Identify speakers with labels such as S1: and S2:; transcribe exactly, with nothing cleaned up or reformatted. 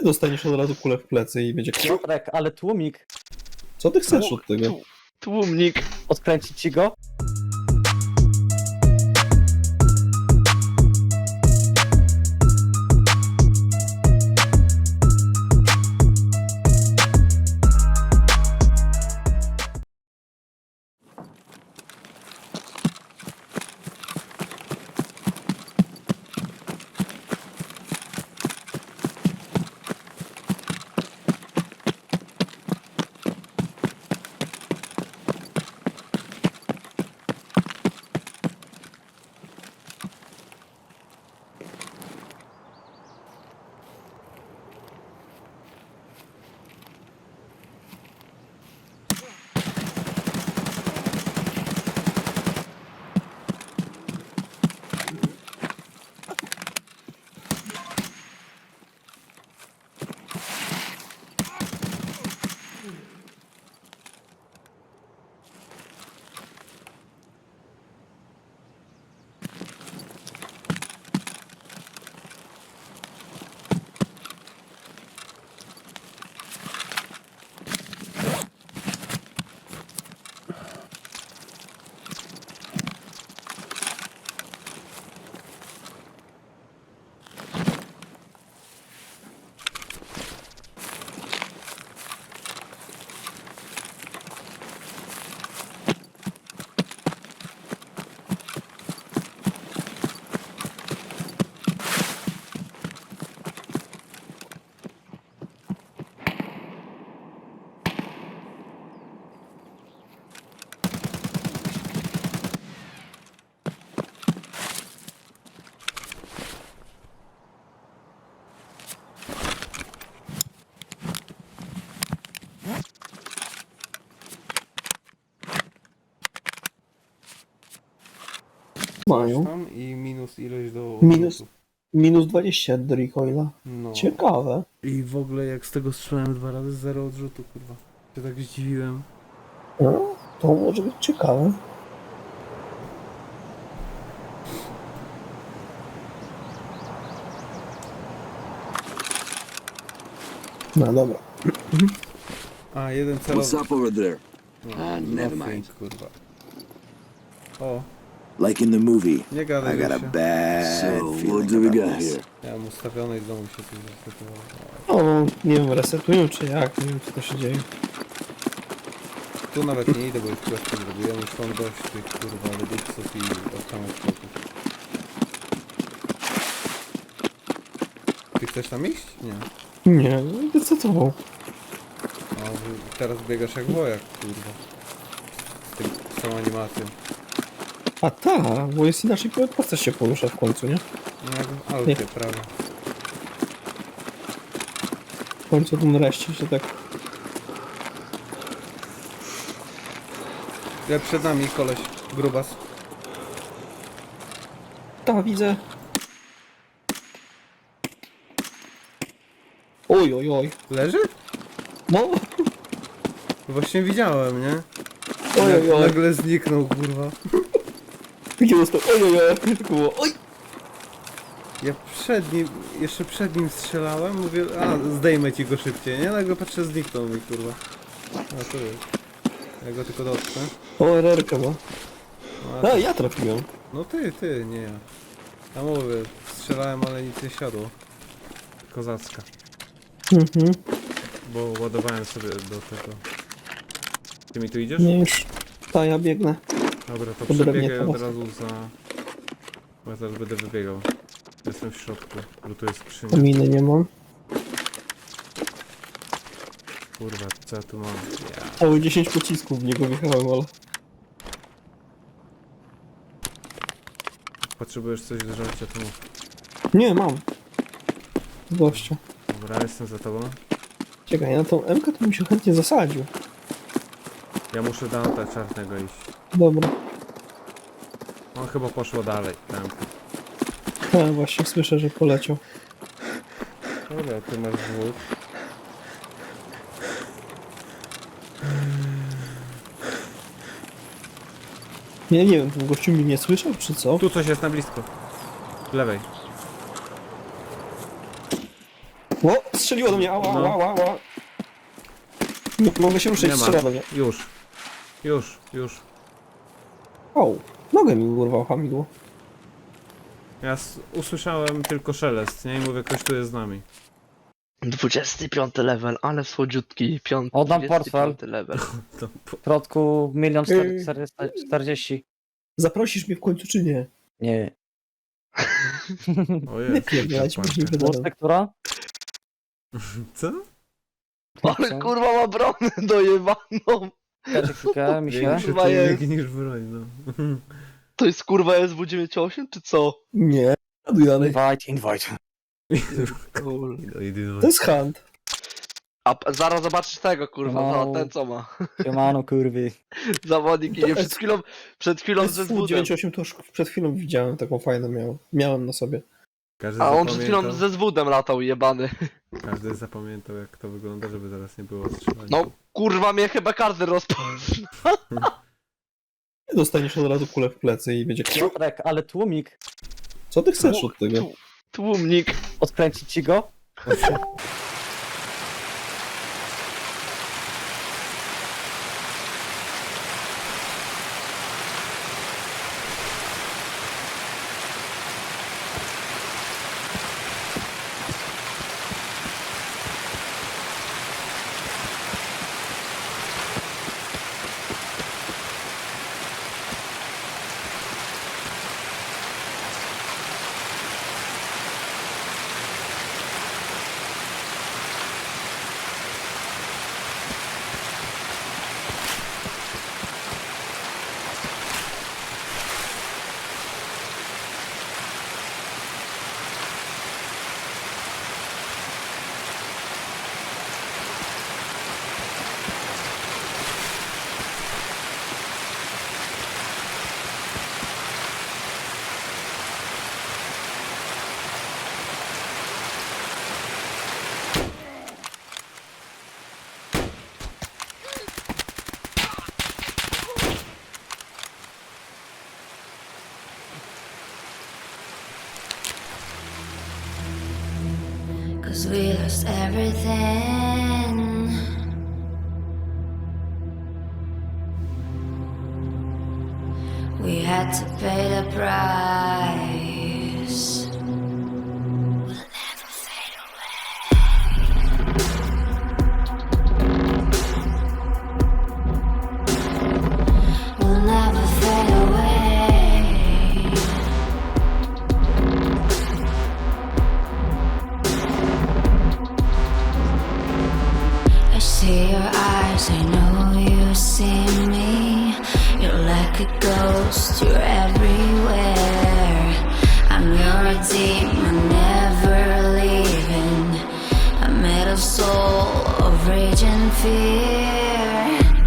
S1: dostaniesz od razu kulę w plecy i będzie...
S2: Piotrek, ale tłumik.
S1: Co ty chcesz od tego?
S3: Tłumnik.
S2: Odkręcić ci go?
S1: Mają.
S4: Tam i minus ilość do
S1: Minus,
S4: odrzutu.
S1: minus dwadzieścia do recoila.
S4: No.
S1: Ciekawe.
S4: I w ogóle jak z tego strzelałem dwa razy, zero odrzutu, kurwa. Się tak zdziwiłem.
S1: No, to może być ciekawe. No dobra.
S4: A, jeden
S5: What's
S4: celowy.
S5: up over there?
S4: No,
S5: Ah, never
S4: nothing,
S5: mind.
S4: kurwa. O,
S5: Like in the movie.
S4: nie
S5: I
S4: gadaj
S5: got a
S4: się.
S5: bad so, what do we got here?
S4: Ja mam ustawione i znowu się coś zresetowało.
S1: O, nie wiem, resetują czy jak, nie wiem co to się dzieje.
S4: Tu nawet nie idę, bo już questy zrobiłem. Już mam dość tych, kurwa, reduksów i ochrony skoków. Ty chcesz tam iść? Nie.
S1: Nie, zdecydował.
S4: A wy- teraz biegasz jak wojak, kurwa. Z, tym, z tą animacją.
S1: A ta, bo jest inaczej postać się porusza w końcu, nie?
S4: No jak w Alpie,
S1: Nie.
S4: prawie.
S1: W końcu ten reszcie się tak...
S4: Ale przed nami koleś, grubas.
S1: Ta, widzę. Oj, oj, oj.
S4: Leży?
S1: No,
S4: Właśnie widziałem, nie?
S1: oj, oj, oj.
S4: Nagle zniknął, kurwa.
S1: Takie dostał, oj, oj, oj. Tylko było, oj.
S4: Ja przed nim, jeszcze przed nim strzelałem, mówię, a zdejmę ci go szybciej, nie? Nagle patrzę, zniknął mi, kurwa. A to jest. Ja go tylko dotknę.
S1: O, R R ka ma.
S4: No, a,
S1: A, ja trafiłem.
S4: no ty, ty, nie ja. Ja mówię, strzelałem, ale nic nie siadło. Kozacka.
S1: Mhm.
S4: Bo ładowałem sobie do tego. Ty mi tu idziesz?
S1: Nie już. Ta, ja biegnę.
S4: Dobra, to
S1: Dobra,
S4: przebiegaj
S1: nie,
S4: od
S1: teraz.
S4: razu za... Bo ja zaraz będę wybiegał. Jestem w środku, lutuję skrzynię.
S1: Miny nie mam.
S4: Kurwa, co ja tu mam? Ja.
S1: O, dziesięć pocisków w niego wjechałem, ale...
S4: Potrzebujesz coś do żarcia, to mów.
S1: Nie, mam. Z gościa.
S4: Dobra, jestem za tobą.
S1: Czekaj, na tą M K to bym się chętnie zasadził.
S4: Ja muszę do auta czarnego iść.
S1: Dobra.
S4: On chyba poszło dalej. Tam.
S1: Ja właśnie słyszę, że poleciał.
S4: Dobra, ty masz dwóch.
S1: Ja nie wiem, ten gościu mnie nie słyszał, czy co?
S4: Tu coś jest na blisko. W lewej.
S1: O, strzeliło do mnie, ała, ała, ała, ała. Nie mogę się ruszyć,
S4: Nie
S1: strzela
S4: ma.
S1: do mnie.
S4: Już. Już, już.
S1: O, nogę mi urwał hamidło.
S4: Ja s- usłyszałem tylko szelest, nie? I mówię, ktoś tu jest z nami.
S3: dwudziesty piąty level, ale słodziutki. Piąty,
S2: Oddam
S3: dwudziesty
S2: portfel.
S3: piąty level.
S4: To po...
S2: W środku milion
S1: Yy.
S2: czterdzieści.
S1: Zaprosisz mnie w końcu czy nie?
S2: Nie.
S4: O
S1: Nie
S4: jest,
S1: pierdolać, później
S4: zapłacę.
S1: będę.
S2: Łódka, która?
S4: Co?
S3: Ale kurwa ma bronę dojebaną.
S2: Czekajcie chwilkę, mi się.
S4: Większy
S3: Kurwa
S4: człowiek
S3: jest.
S4: niż broń, no.
S3: To jest kurwa S W dziewięćdziesiąt osiem czy co?
S1: Nie, jaduj dalej.
S2: Invite, invite.
S3: Kur...
S4: No i ty-
S1: To jest hunt.
S3: A p- zaraz zobaczysz tego kurwa,
S2: No.
S3: no, ten co ma.
S2: Siemano, kurwy.
S3: Zawodnik idzie przed chwilą, przed chwilą ze
S1: S W
S3: zwódem.
S1: dziewięćdziesiąt osiem to już przed chwilą widziałem, taką fajną miałem. Miałem na sobie.
S4: Każdy
S3: A on przed chwilą
S4: zapamiętał,
S3: ze zwódem latał jebany.
S4: każdy zapamiętał jak to wygląda, żeby zaraz nie było strzelania.
S3: No kurwa mnie chyba każdy rozpoznał.
S1: Dostaniesz od razu kulę w plecy i będzie...
S2: Piotrek, ale tłumik.
S1: Co ty chcesz od tego?
S3: Tu- Tłumnik.
S2: Odkręcić ci go?
S6: Cause we lost everything. We had to pay the price. We'll never fade away. We'll never fade away. I see your eyes, I know you see me. You're like a ghost, you're everywhere. I'm your demon, never leaving. A metal soul of rage and fear.